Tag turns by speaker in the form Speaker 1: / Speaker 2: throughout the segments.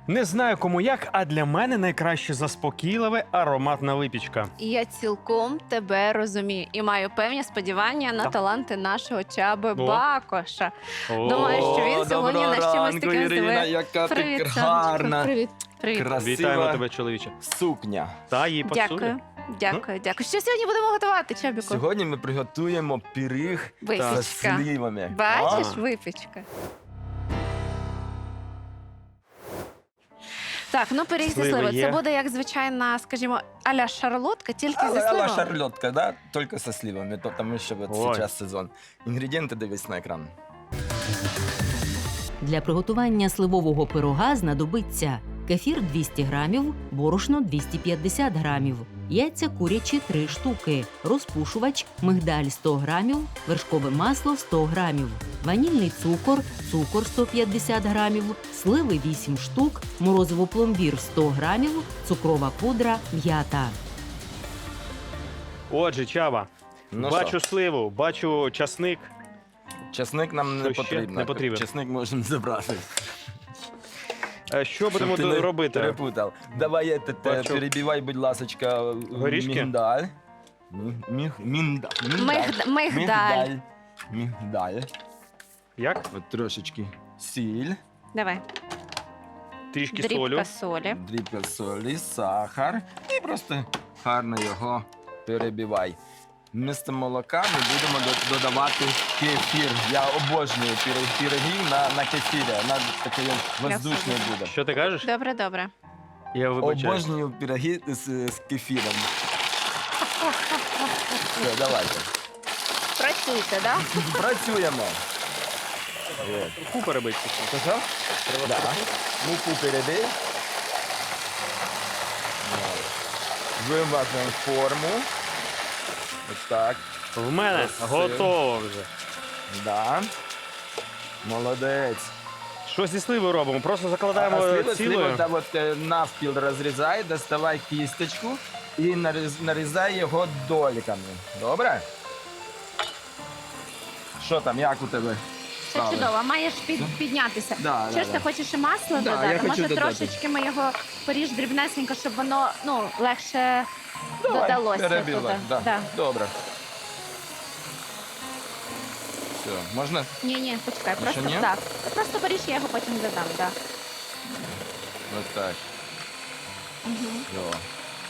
Speaker 1: Не знаю кому як, а для мене найкраще заспокійливе ароматна випічка.
Speaker 2: І я цілком тебе розумію і маю певні сподівання на
Speaker 1: Так.
Speaker 2: таланти нашого Чаби
Speaker 1: О.
Speaker 2: Бакоша. Думаю, що він сьогодні
Speaker 3: доброго
Speaker 2: на чимось
Speaker 3: ранку,
Speaker 2: таким
Speaker 3: Ірина,
Speaker 2: здивує.
Speaker 3: яка ти
Speaker 2: Привіт,
Speaker 3: гарна.
Speaker 2: сонечко. Привіт. Привіт.
Speaker 3: Красива
Speaker 1: Вітаємо тебе, чоловіче.
Speaker 3: сукня.
Speaker 1: Та їй пасує.
Speaker 2: Дякую. Дякую. Що сьогодні будемо готувати, Чабіку?
Speaker 3: Сьогодні ми приготуємо пиріг з
Speaker 2: Випічка.
Speaker 3: сливами.
Speaker 2: Бачиш,
Speaker 1: А.
Speaker 2: випічка. Так, ну пиріг зі
Speaker 1: Сливи
Speaker 2: сливи.
Speaker 1: є.
Speaker 2: Це буде як звичайна, скажімо, а-ля шарлотка, тільки зі
Speaker 3: Але
Speaker 2: сливами.
Speaker 3: шарлотка, да? Только со сливами, потому что вот
Speaker 1: Ой.
Speaker 3: сейчас сезон. Ингредиенты дивись на екран.
Speaker 4: Для приготування сливового пирога знадобиться кефір 200 грамів, борошно 250 грамів, яйця курячі 3 штуки, розпушувач, мигдаль 100 грамів, вершкове масло 100 грамів, ванільний цукор, цукор 150 грамів, сливи 8 штук, морозиво пломбір 100 грамів, цукрова пудра, м'ята.
Speaker 1: Отже, Чаба,
Speaker 3: Ну
Speaker 1: бачу
Speaker 3: що,
Speaker 1: сливу, бачу часник.
Speaker 3: чесник нам не
Speaker 1: Що ще?
Speaker 3: потрібно.
Speaker 1: Не потрібен.
Speaker 3: Чесник можемо забрати.
Speaker 1: Що будемо
Speaker 3: Щоб ти не
Speaker 1: робити?
Speaker 3: перепутав. Давай этот,
Speaker 1: Бачу.
Speaker 3: перебивай, будь ласочка,
Speaker 1: Горішки?
Speaker 3: міндаль.
Speaker 2: Мигдаль.
Speaker 3: Мигдаль.
Speaker 1: Як?
Speaker 3: От трошечки сіль,
Speaker 2: Давай.
Speaker 1: Трішки солю.
Speaker 2: Дрібка солі.
Speaker 3: дрібка солі, сахар і просто гарно його перебивай. Вмісто молока ми будемо додавати кефір. Я обожнюю пироги на кефірі. Вона такий воздушний буде.
Speaker 1: Що ти кажеш?
Speaker 2: Добре.
Speaker 1: Я вибачаю.
Speaker 3: Обожнюю пироги з кефіром. Все, давайте.
Speaker 2: Працюйте, так?
Speaker 3: Працюємо. От.
Speaker 1: Муку перебити.
Speaker 3: Що? Да. Муку перебив. Вимазуємо форму. Ось так.
Speaker 1: В мене
Speaker 3: Красиво.
Speaker 1: готово вже.
Speaker 3: Да. Молодець.
Speaker 1: Що зі сливою робимо? Просто закладаємо
Speaker 3: Сливу
Speaker 1: цілою.
Speaker 3: та от, навпіл розрізай, доставай кісточку і нарізай його доліками. Добре? Що там, як у тебе?
Speaker 2: Все
Speaker 3: справи?
Speaker 2: чудово, маєш піднятися.
Speaker 3: Да,
Speaker 2: Що ж ти хочеш і масло
Speaker 3: Да, я
Speaker 2: додати?
Speaker 3: хочу
Speaker 2: Може,
Speaker 3: додати.
Speaker 2: трошечки ми його поріж дрібнесенько, щоб воно легше
Speaker 3: Давай,
Speaker 2: додалося
Speaker 3: перебивай.
Speaker 2: туди.
Speaker 3: Да. Добре. Все, можна?
Speaker 2: Ні, почекай,
Speaker 3: Ще
Speaker 2: просто
Speaker 3: ні?
Speaker 2: так. Просто поріж, я його потім додам, так.
Speaker 3: Ось так. Все.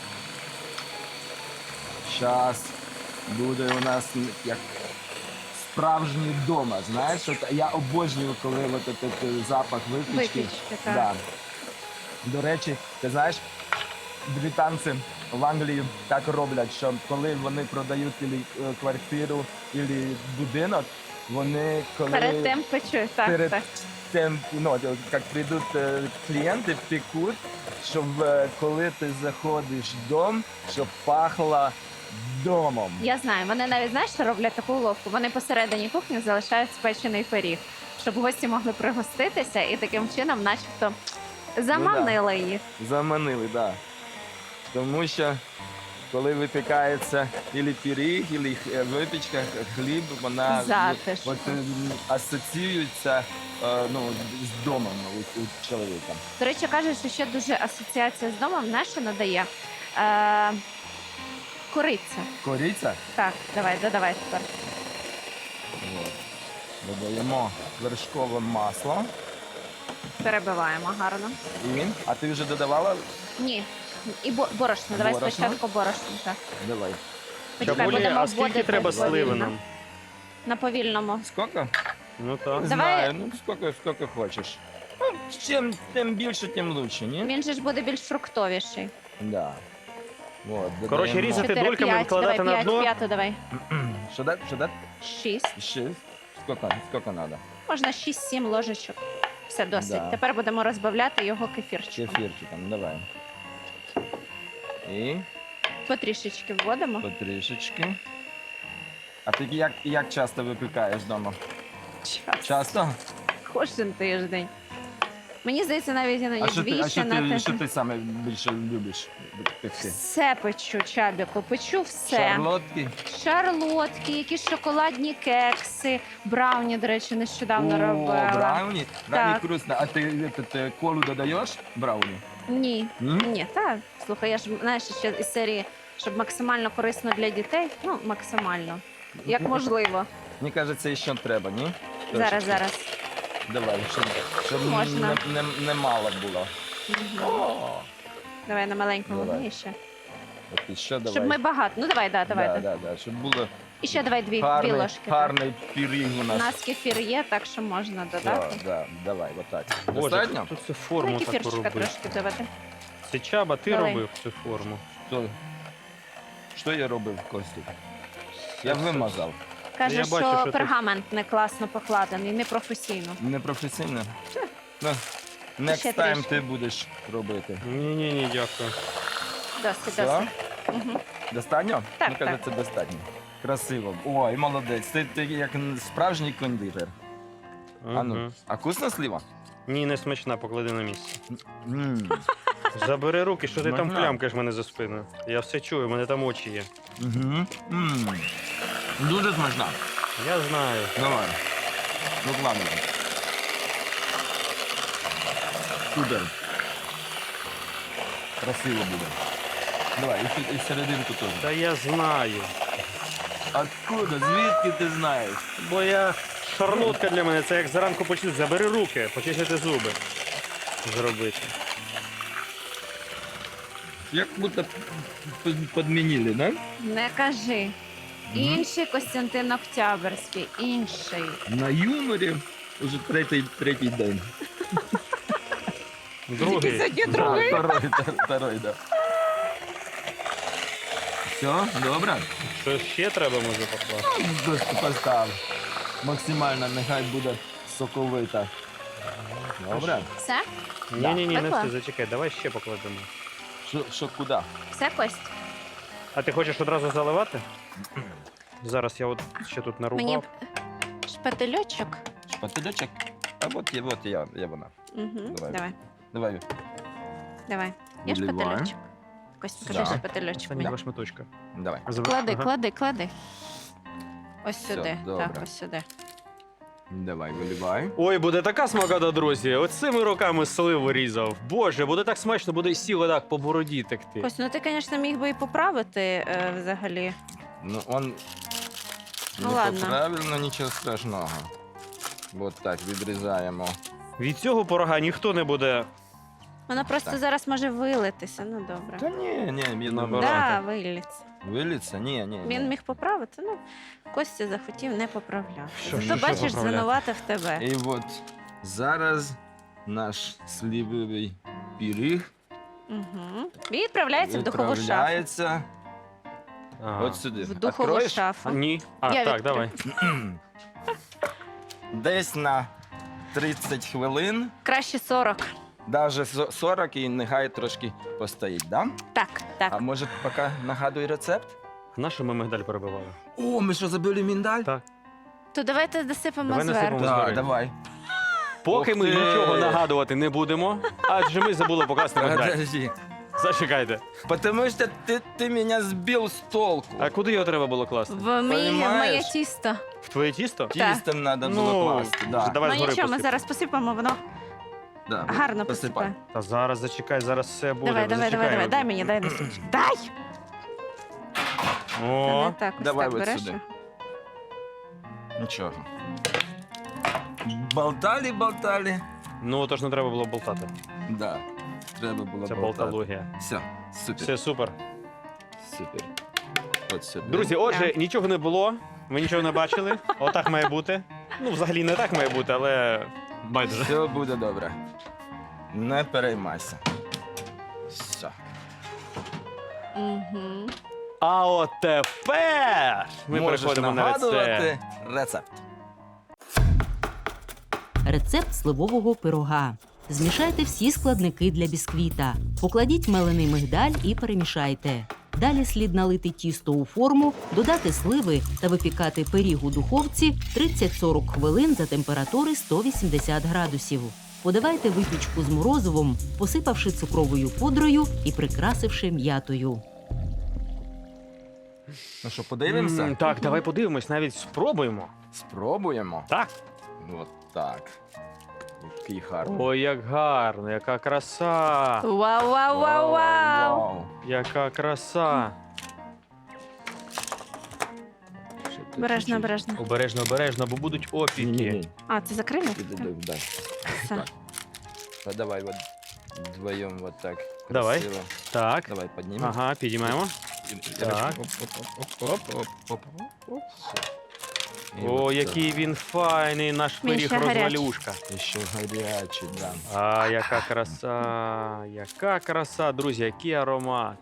Speaker 3: Зараз буде у нас як справжній вдома. Знаєш, от я обожнюю, коли от этот запах випічки.
Speaker 2: Випічки, так.
Speaker 3: Да. До речі, ти знаєш, британці в Англії так роблять, що коли вони продають квартиру або будинок, вони коли
Speaker 2: Перед тим печу, так.
Speaker 3: перед
Speaker 2: так.
Speaker 3: тем, ну, як прийдуть клієнти, пекуть, щоб коли ти заходиш в дом, щоб пахло домом.
Speaker 2: Я знаю, вони навіть знаєш, що роблять таку уловку. Вони посередині кухні залишають спечений пиріг, щоб гості могли пригоститися і таким чином, начебто, заманили їх.
Speaker 3: Заманили, так. Да. Тому що коли випікається ілі пиріг, ілі випічка, хліб, вона
Speaker 2: Затишно.
Speaker 3: от, асоціюється з домом у чоловіка.
Speaker 2: До речі, кажуть, що ще дуже асоціація з домом, знаєш, що надає? Кориця.
Speaker 3: Кориця.
Speaker 2: Так, додавай тепер.
Speaker 3: От. Додаємо вершкове масло.
Speaker 2: Перебиваємо гарно.
Speaker 3: А ти вже додавала?
Speaker 2: Ні. І борошно. Давай
Speaker 3: Борошно?
Speaker 2: спочатку борошно. Так.
Speaker 3: Давай.
Speaker 2: Почекай,
Speaker 1: Чабулі,
Speaker 2: будемо
Speaker 1: а скільки
Speaker 2: вводити
Speaker 1: треба
Speaker 2: повільно.
Speaker 1: сливи нам?
Speaker 2: На повільному.
Speaker 3: Скільки?
Speaker 1: Ну так.
Speaker 3: Не
Speaker 2: Давай.
Speaker 3: знаю, скільки хочеш. Ну, чим більше, тим лучше, ні?
Speaker 2: Він же ж буде більш фруктовіший.
Speaker 3: Да. Вот,
Speaker 1: Коротше,
Speaker 3: додаємо.
Speaker 1: різати
Speaker 2: 4,
Speaker 1: дольками,
Speaker 2: 5,
Speaker 1: викладати
Speaker 2: давай,
Speaker 1: на дно.
Speaker 2: 5, давай.
Speaker 3: Що дати? Що дати?
Speaker 2: 6.
Speaker 3: Ще? Скільки треба?
Speaker 2: Можна 6-7 ложечок. Все, досить.
Speaker 3: Да.
Speaker 2: Тепер будемо розбавляти його кефірчиком.
Speaker 3: Кефірчиком, давай. І
Speaker 2: Потрішечки вводимо.
Speaker 3: потрішечки. А ти як часто випікаєш вдома?
Speaker 2: Час.
Speaker 3: Часто?
Speaker 2: Кожен тиждень. Мені здається, навіть
Speaker 3: А
Speaker 2: іноді
Speaker 3: що ти,
Speaker 2: двічі на
Speaker 3: що
Speaker 2: тиждень.
Speaker 3: ти саме більше любиш пекти?
Speaker 2: Все печу, Чабіку, печу все.
Speaker 3: Шарлотки?
Speaker 2: Шарлотки, якісь шоколадні кекси, брауні, до речі, нещодавно робила.
Speaker 3: Брауні?
Speaker 2: Так.
Speaker 3: Брауні вкусно. А ти колу додаєш брауні?
Speaker 2: Ні,
Speaker 3: М?
Speaker 2: ні, так. Слухай, я ж знаєш, ще із серії, щоб максимально корисно для дітей. Ну, максимально. Як можливо.
Speaker 3: Мені кажеться, ще треба, ні?
Speaker 2: Зараз,
Speaker 3: Трошечки.
Speaker 2: зараз.
Speaker 3: Давай, щоб
Speaker 2: Можна.
Speaker 3: не мало було.
Speaker 2: Мгм.
Speaker 3: О,
Speaker 2: Давай на маленькому
Speaker 3: Давай.
Speaker 2: вогні ще.
Speaker 3: от і ще давай.
Speaker 2: Щоб ми багато. Ну давай, давай.
Speaker 3: Да, щоб було
Speaker 2: І ще давай дві
Speaker 3: гарний,
Speaker 2: ложки. так.
Speaker 3: гарний пиріг у
Speaker 2: У
Speaker 3: нас.
Speaker 2: нас кефір є, так що можна
Speaker 3: Да,
Speaker 2: додати.
Speaker 3: да, давай, отак.
Speaker 1: Боже,
Speaker 3: Достатньо?
Speaker 1: тут цю
Speaker 2: Ну,
Speaker 1: форму
Speaker 2: і
Speaker 1: таку
Speaker 2: кефірчика
Speaker 1: робив.
Speaker 2: трошки давати.
Speaker 1: Це Чаба, ти
Speaker 2: Давай.
Speaker 1: робив цю форму.
Speaker 3: Що я робив, Костю? Я вимазав.
Speaker 2: Каже,
Speaker 1: Я
Speaker 2: що
Speaker 1: бачу, що ти-
Speaker 2: пергамент не класно покладений, непрофесійно.
Speaker 3: Непрофесійно? Ну, next
Speaker 2: Ще
Speaker 3: time
Speaker 2: трішки.
Speaker 3: ти будеш робити.
Speaker 1: Ні, дякую.
Speaker 2: Досить,
Speaker 3: Все?
Speaker 2: досить. Угу.
Speaker 3: Достатньо?
Speaker 2: Так,
Speaker 3: Мені кажеться, достатньо. Красиво. Ой, молодець. Ти як справжній кондитер. А ну,
Speaker 1: Мгм.
Speaker 3: а вкусна слива?
Speaker 1: Ні, не смачна, поклади на місце.
Speaker 3: М.
Speaker 1: Забери руки, що ти там
Speaker 3: Смачна.
Speaker 1: плямкаєш мене за спиною. Я все чую, в мене там очі є.
Speaker 3: Мгм. М. Дуже смачна.
Speaker 1: Я знаю.
Speaker 3: Давай. Викладуй. Супер. Красиво буде. Давай, і серединку теж.
Speaker 1: Та я знаю.
Speaker 3: Откуда? Звідки ти знаєш?
Speaker 1: Бо я шарлотка для мене, це як зранку почути. Забери руки, почистити зуби. Зробити.
Speaker 3: Як будто підмінили, да?
Speaker 2: Не кажи. Інший Костянтин Октябрьський, інший.
Speaker 3: На юморі вже третій день.
Speaker 1: Другий.
Speaker 2: другий.
Speaker 3: Второй, да. Все, добре?
Speaker 1: Що ще треба, може, покласти?
Speaker 3: Просто постав. Максимально нехай буде соковита. Добре?
Speaker 2: Все?
Speaker 1: Ні, не
Speaker 2: Пекла?
Speaker 1: все, зачекай, давай ще покладемо.
Speaker 3: Що куди?
Speaker 2: Все, Кость?
Speaker 1: А ти хочеш одразу заливати? Зараз я от ще тут нарубав.
Speaker 2: Мені шпательочок.
Speaker 3: Шпательочок? А от я вона.
Speaker 2: Угу.
Speaker 3: Давай.
Speaker 2: Давай,
Speaker 3: Давай.
Speaker 2: давай. Є
Speaker 3: Виливаю.
Speaker 2: шпательочок? Кость, покажи
Speaker 3: Да.
Speaker 2: шпательочок.
Speaker 1: Там
Speaker 2: мені.
Speaker 1: два шматочка.
Speaker 3: Давай.
Speaker 2: Клади,
Speaker 1: Ага.
Speaker 2: клади. Ось
Speaker 3: Все,
Speaker 2: сюди.
Speaker 3: добре.
Speaker 2: Так, ось сюди.
Speaker 3: Давай, виливай.
Speaker 1: Ой, буде така смакота, друзі. Оцими руками сливу різав. Боже, буде так смачно, буде і сіло так по бороді текти.
Speaker 2: Кость, ну ти, звісно, міг би і поправити взагалі.
Speaker 3: Ну, он
Speaker 2: Ну,
Speaker 3: не
Speaker 2: ладно.
Speaker 3: правильно, нічого страшного. От так, відрізаємо.
Speaker 1: Від цього порога ніхто не буде.
Speaker 2: Воно просто
Speaker 3: Так.
Speaker 2: зараз може вилитися. Ну добре.
Speaker 3: Та ні, я
Speaker 1: Наоборот.
Speaker 3: думаю,
Speaker 2: Да, виліться.
Speaker 3: виліться? Ні.
Speaker 2: Він міг поправити, ну Костя захотів, не поправляв.
Speaker 1: Що
Speaker 2: Зато бачиш,
Speaker 1: поправляти?
Speaker 2: звинуватив тебе.
Speaker 3: І от зараз наш сливовий пиріг
Speaker 2: Угу. Відправляється в духову шафу.
Speaker 3: відправляється
Speaker 1: Ага.
Speaker 3: от сюди.
Speaker 2: В духову
Speaker 3: Откроєш?
Speaker 2: шафу.
Speaker 1: Ні. А,
Speaker 2: Я
Speaker 1: так,
Speaker 2: відкрию.
Speaker 1: давай.
Speaker 3: Десь на 30 хвилин,
Speaker 2: Краще 40.
Speaker 3: навіть 40 і нехай трошки постоїть, да?
Speaker 2: Так, так.
Speaker 3: А може поки нагадуй рецепт?
Speaker 1: На що ми мигдаль перебивали?
Speaker 3: О, ми що, забили міндаль?
Speaker 1: Так.
Speaker 2: То давайте досипемо
Speaker 1: Давай
Speaker 2: зверху.
Speaker 1: насипемо.
Speaker 3: Так,
Speaker 1: Згори.
Speaker 3: давай.
Speaker 1: Поки
Speaker 3: Ух
Speaker 1: ми
Speaker 3: ти!
Speaker 1: нічого нагадувати не будемо, адже ми забули покласти мигдаль.
Speaker 3: Подожди.
Speaker 1: Зачекайте.
Speaker 3: Потому что ты меня сбил с толку.
Speaker 1: А куди його треба було класти?
Speaker 2: В моє
Speaker 3: Понімаєш?
Speaker 2: тісто.
Speaker 1: В твоє тісто?
Speaker 3: Тістом надо
Speaker 1: Ну,
Speaker 3: було класти.
Speaker 1: вже
Speaker 3: Да.
Speaker 1: давай
Speaker 2: Ну
Speaker 1: згори
Speaker 2: нічого, ми
Speaker 1: посип.
Speaker 2: зараз посипемо, воно
Speaker 3: Да.
Speaker 2: гарно
Speaker 3: Посипай.
Speaker 2: посипає.
Speaker 1: Та зараз зачекай, зараз все буде.
Speaker 2: Давай,
Speaker 1: Зачекай.
Speaker 2: дай мені, дай носочок. Дай! Та
Speaker 1: О,
Speaker 2: не так, ось
Speaker 3: давай
Speaker 2: так
Speaker 3: от
Speaker 2: береш.
Speaker 3: сюди. Нічого. Болтали.
Speaker 1: ну то ж не треба було болтати.
Speaker 3: Да. Треба було
Speaker 1: Це
Speaker 3: болтати.
Speaker 1: болтологія.
Speaker 3: Все, супер.
Speaker 1: Все супер.
Speaker 3: Супер. От сюди.
Speaker 1: Друзі, отже,
Speaker 2: Так.
Speaker 1: нічого не було. Ви нічого не бачили. Отак має бути. Ну, взагалі не так має бути, але байдуже.
Speaker 3: Все буде добре. Не переймайся. Все.
Speaker 2: Угу.
Speaker 1: А от тепер ми
Speaker 3: Можеш
Speaker 1: переходимо на рецепт.
Speaker 3: нагадувати рецепт.
Speaker 4: Рецепт сливового пирога. Змішайте всі складники для бісквіта. Покладіть мелений мигдаль і перемішайте. Далі слід налити тісто у форму, додати сливи та випікати пиріг у духовці 30-40 хвилин за температури 180 градусів. Подавайте випічку з морозивом, посипавши цукровою пудрою і прикрасивши м'ятою.
Speaker 3: Ну що, подивимося?
Speaker 1: Так, давай подивимось, навіть спробуємо.
Speaker 3: Спробуємо.
Speaker 1: Так.
Speaker 3: От так. Який гарний.
Speaker 1: Ой, як гарно, яка краса!
Speaker 2: Вау, вау, вау, вау!
Speaker 3: Вау.
Speaker 1: Яка краса!
Speaker 3: Ще тут
Speaker 2: Обережно,
Speaker 3: чуть-чуть.
Speaker 2: обережно.
Speaker 1: Обережно, обережно, бо будуть опіки.
Speaker 3: Ні-ні-ні.
Speaker 2: А, це закрили?
Speaker 3: Дай.
Speaker 2: Все.
Speaker 3: Так. А давай вот вдвоем вот так.
Speaker 1: Давай.
Speaker 3: Красиво.
Speaker 1: Так.
Speaker 3: Давай поднимем.
Speaker 1: Ага, підіймаємо. Так. О, який він файний, наш
Speaker 2: Він
Speaker 1: пиріг
Speaker 2: ще гарячий.
Speaker 1: розвалюшка.
Speaker 3: Еще горячий, да.
Speaker 1: А, яка краса, яка краса, друзі, який аромат.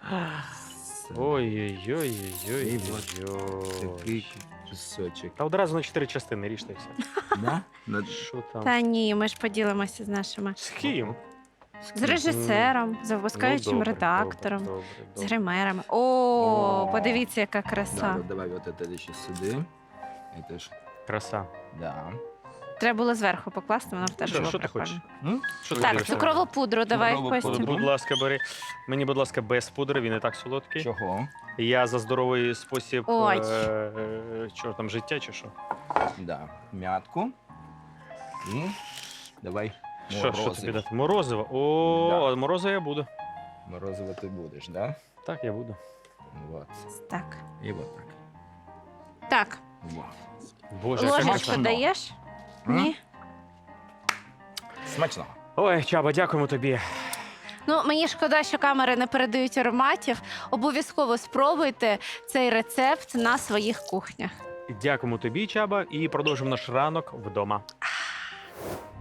Speaker 1: Ой-ой-ой-ой-ой.
Speaker 3: Такий кусочек.
Speaker 1: Та одразу на 4 частини ріжте все.
Speaker 3: Да? На-
Speaker 1: Що там?
Speaker 2: Та ні, ми ж поділимося з нашими.
Speaker 1: З ким?
Speaker 2: З режисером, з випускаючим
Speaker 1: добре,
Speaker 2: редактором,
Speaker 1: добре,
Speaker 2: з
Speaker 1: добре.
Speaker 2: гримерами. О,
Speaker 3: О.
Speaker 2: подивіться, яка
Speaker 3: Да,
Speaker 2: краса.
Speaker 3: вот давай вот это еще сюда. Это ж,
Speaker 1: Краса.
Speaker 3: да.
Speaker 2: Треба було зверху покласти, воно б теж
Speaker 1: Що,
Speaker 2: було
Speaker 1: що ти
Speaker 2: прикольно.
Speaker 1: хочеш?
Speaker 3: М?
Speaker 1: Що ти
Speaker 2: Так,
Speaker 1: дивишся?
Speaker 2: цукрову пудру давай,
Speaker 3: Цукрову
Speaker 2: Костя.
Speaker 3: пудру.
Speaker 1: Будь ласка, бери. Мені, будь ласка, без пудри, він і так солодкий.
Speaker 3: Чого?
Speaker 1: Я за здоровий спосіб
Speaker 2: Ой.
Speaker 1: чого там, життя чи що?
Speaker 3: Да. Мятку. І давай
Speaker 1: Що тобі
Speaker 3: морозиво.
Speaker 1: дати? Морозиво? О,
Speaker 3: Да.
Speaker 1: морозиво я буду.
Speaker 3: Морозиво ти будеш, да?
Speaker 1: Так, я буду.
Speaker 3: Вот.
Speaker 2: Так.
Speaker 3: І вот так.
Speaker 2: Так,
Speaker 3: Вот.
Speaker 1: Боже, яка
Speaker 2: ложечку
Speaker 1: смачна.
Speaker 2: даєш?
Speaker 3: М?
Speaker 2: Ні?
Speaker 3: Смачно.
Speaker 1: Ой, Чаба, дякуємо тобі.
Speaker 2: Ну, мені шкода, що камери не передають ароматів. Обов'язково спробуйте цей рецепт на своїх кухнях.
Speaker 1: Дякуємо тобі, Чаба, і продовжимо наш ранок вдома.